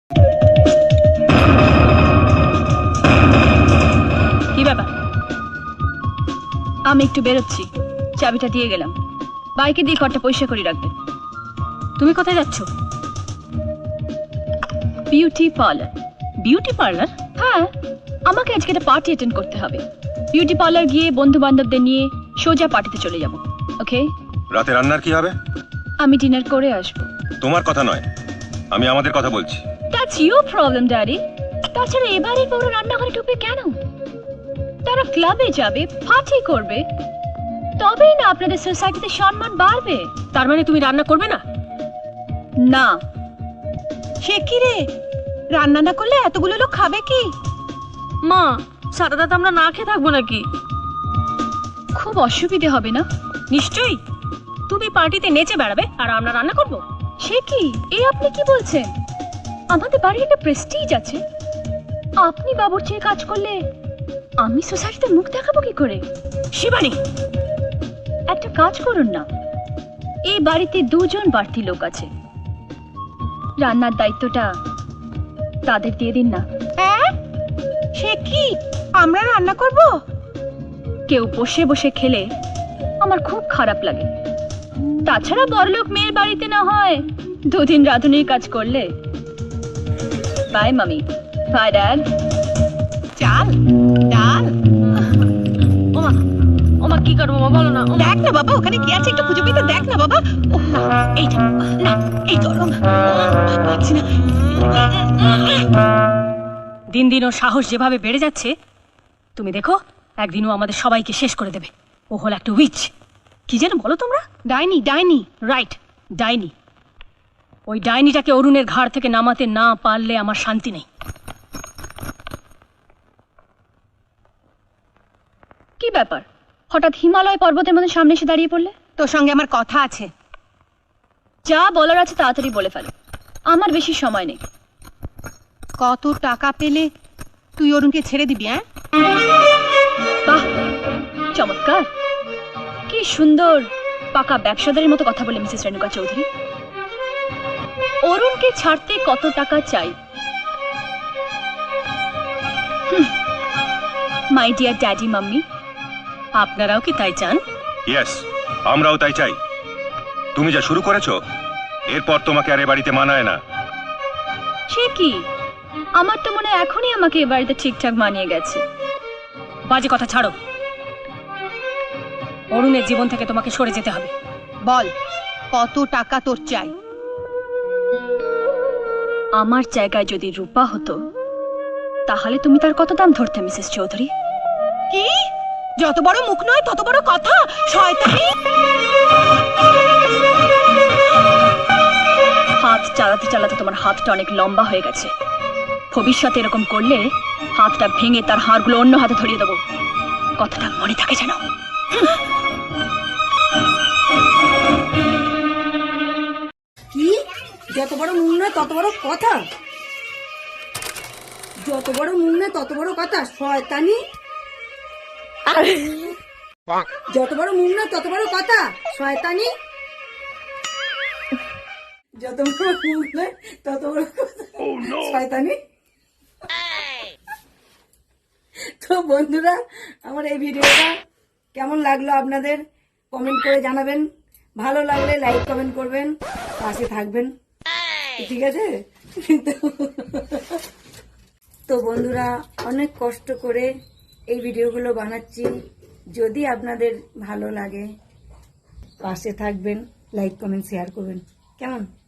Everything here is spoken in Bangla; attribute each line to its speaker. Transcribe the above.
Speaker 1: কি ব্যাপার? আমি একটু বেরোচ্ছি, চাবিটা দিয়ে গেলাম। বাইকে দিয়ে ঘরটা পরিষ্কার করে রাখবে। তুমি কোথায় যাচ্ছ? Beauty parlour. Beauty parlour? হ্যাঁ, আমাকে আজকে একটা পার্টি অ্যাটেন্ড করতে হবে। বিউটি পার্লার গিয়ে বন্ধু বান্ধবদের নিয়ে সোজা পার্টিতে চলে যাব। ওকে?
Speaker 2: রাতে রান্নার কি হবে?
Speaker 1: আমি ডিনার করে আসবো।
Speaker 2: তোমার কথা নয়, আমি আমাদের কথা বলছি।
Speaker 1: That's your problem daddy. তাছাড়া এবারে বড় রান্নাঘরে ঢুকবে কেন? তারা ক্লাবে যাবে, পার্টি করবে, তবেই না আপনাদের সোসাইটিতে সম্মান বাড়বে। তার মানে তুমি রান্না করবে না? না।
Speaker 3: সে কি রে, রান্না না করলে এতগুলো লোক খাবে কি?
Speaker 1: মা, সারা রাত আমরা না খেয়ে থাকবো নাকি? খুব অসুবিধে হবে না? নিশ্চয়ই। তুমি পার্টিতে নেচে বেড়াবে আর আমরা রান্না করব। সে কি, এই আপনি কি বলছেন? আমাদের বাড়ির একটা প্রেস্টিজ আছে। আপনি বাবুর্চির কাজ করলে আমি সোসাইটিতে মুখ দেখাবো কি করে? শিবানী, একটা কাজ করুন না, এই বাড়িতে দুজন বাড়তি লোক আছে, রান্নার দায়িত্বটা তাদের দিয়ে দিন না।
Speaker 3: হ্যাঁ, সে কি, আমরা রান্না করব?
Speaker 1: কেউ বসে বসে খেলে আমার খুব খারাপ লাগে। তাছাড়া বড়লোক মেয়ের বাড়িতে না হয় দুদিন রাঁধুনির কাজ করলে। বাই মামি, বাই ড্যাড।
Speaker 3: চাল, ডাল।
Speaker 1: ওমা, ওমা কি করবো মা, বলো না।
Speaker 3: দেখ না বাবা, ওখানে কি আছে একটু খুঁজে পেতে দেখ না বাবা। ওহ, না, এইটা না, এই গরম পাচ্ছি না।
Speaker 1: দিন দিন ওর সাহস যেভাবে বেড়ে যাচ্ছে, তুমি দেখো একদিনও আমাদের সবাইকে শেষ করে দেবে। ও হল একটা উইচ। কি যেন বলো তোমরা?
Speaker 3: ডাইনি, ডাইনি।
Speaker 1: রাইট, ডাইনি। ওই ডাইনিটাকে অরুণের ঘাড় থেকে নামাতে না পারলে আমার শান্তি নেই। কি ব্যাপার, হঠাৎ হিমালয় পর্বতের মধ্যে সামনে এসে দাঁড়িয়ে পড়লে?
Speaker 3: তোর সঙ্গে আমার কথা আছে।
Speaker 1: যা বলার আছে তাড়াতাড়ি বলে ফেলো, আমার বেশি সময় নেই।
Speaker 3: কত টাকা পেলে তুই অরুণকে ছেড়ে দিবি? হ্যাঁ,
Speaker 1: বাহ, চমৎকার। কি সুন্দর পাকা ব্যবসাদারের মতো কথা বলে মিসেস রেণুকা চৌধুরী। অরুণকে ছাড়তে কত টাকা চাই? মাই ডিয়ার ড্যাডি মাম্মি, আপনারাও কি তাই চান?
Speaker 2: ইয়েস, আমরাও তাই চাই। তুমি যা শুরু করেছো, এরপর তোমাকে আর এ বাড়িতে মানায় না।
Speaker 1: সে কি, আমার তো মনে হয় এখনই আমাকে এ বাড়িতে ঠিকঠাক মানিয়ে গেছে। বাজে কথা ছাড়ো, অরুণের জীবন থেকে তোমাকে সরে যেতে হবে।
Speaker 3: বল কত টাকা তোর চাই?
Speaker 1: আমার জায়গায় যদি রূপা হতো তাহলে তুমি তার কত দাম ধরতে মিসেস চৌধুরী?
Speaker 3: কি, যত বড় মুখ নয় তত বড় কথা, শয়তানি।
Speaker 1: হাত চালাতে চালাতে তোমার হাতটা অনেক লম্বা হয়ে গেছে। ভবিষ্যতে এরকম করলে হাতটা ভেঙে তার হাড়গুলো অন্য হাতে ধরিয়ে দেবো। কথাটা মনে থাকে যেন।
Speaker 4: কি, যত বড় মুখ নয় তত বড় কথা? যত বড় মুখ নয় তত বড় কথা, শয়তানি। যত বড় মুখ নয় তত বড় কথা, শয়তানি। যত বড় মুখ নয় তত বড় কথা, শয়তানি। তো বন্ধুরা, আমার এই ভিডিওটা কেমন লাগলো আপনাদের কমেন্ট করে জানাবেন। ভালো লাগলে লাইক কমেন্ট করবেন, পাশে থাকবেন, ঠিক আছে? তো বন্ধুরা, অনেক কষ্ট করে এই ভিডিওগুলো বানাচ্ছি। যদি আপনাদের ভালো লাগে পাশে থাকবেন, লাইক কমেন্ট শেয়ার করবেন, কেমন?